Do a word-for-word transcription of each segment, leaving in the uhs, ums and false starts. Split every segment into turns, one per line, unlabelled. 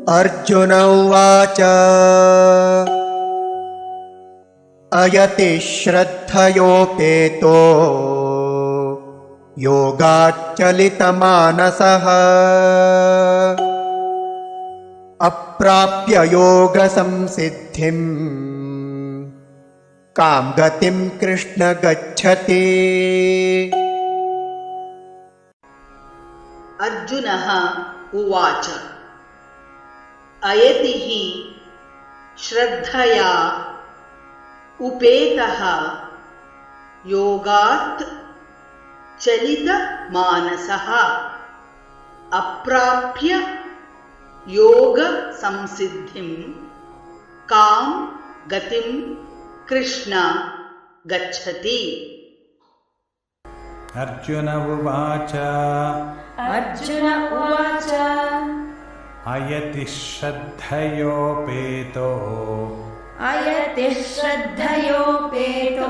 अर्जुन उवाच अयति श्रद्धयोपेतो योगाच्चलितमानसः अप्राप्य योगसंसिद्धिं कां गतिं कृष्ण गच्छति।
अर्जुनः उवाच अयति हि श्रद्धया उपेतः योगात् चलितमानसः अप्राप्य योग संसिद्धिं कां गतिं कृष्ण गच्छति।
अर्जुन उवाच
अर्जुन उवाच
अयति श्रद्धयोपेतो
अयति श्रद्धयोपेतो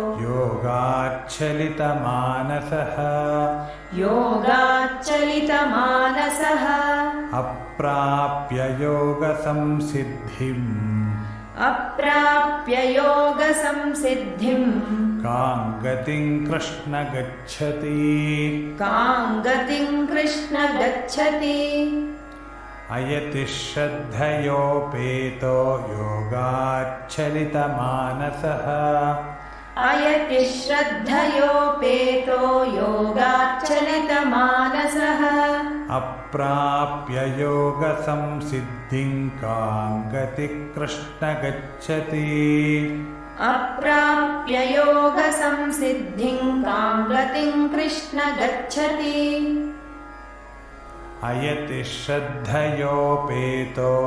योगाच्चलितमानसः
योगाच्चलितमानसः
अप्राप्य योगसंसिद्धिम्
अप्राप्य योगसंसिद्धिं
कां गतिं कृष्ण गच्छति।
कां गतिं कृष्ण गच्छति।
अयति श्रद्धयोपेतो योगाच्चलितमानसः
अयति श्रद्धयोपेतो योगाच्चलितमानसः
अप्राप्य योगसंसिद्धिं कां गतिं कृष्ण गच्छति।
अप्राप्य योगसंसिद्धिं कां गतिं कृष्ण गच्छति।
अयति श्रद्धयोपेतो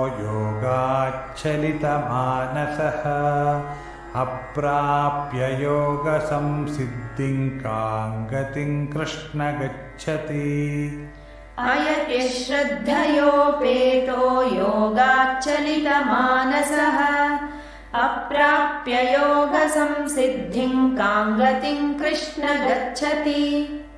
योगाच्चलितमानसः अप्राप्य योगसंसिद्धिं कां गतिं कृष्ण गच्छति।
अयति श्रद्धयोपेतो योगाच्चलितमानसः अप्राप्य योगसंसिद्धिं कां गतिं कृष्ण गच्छति।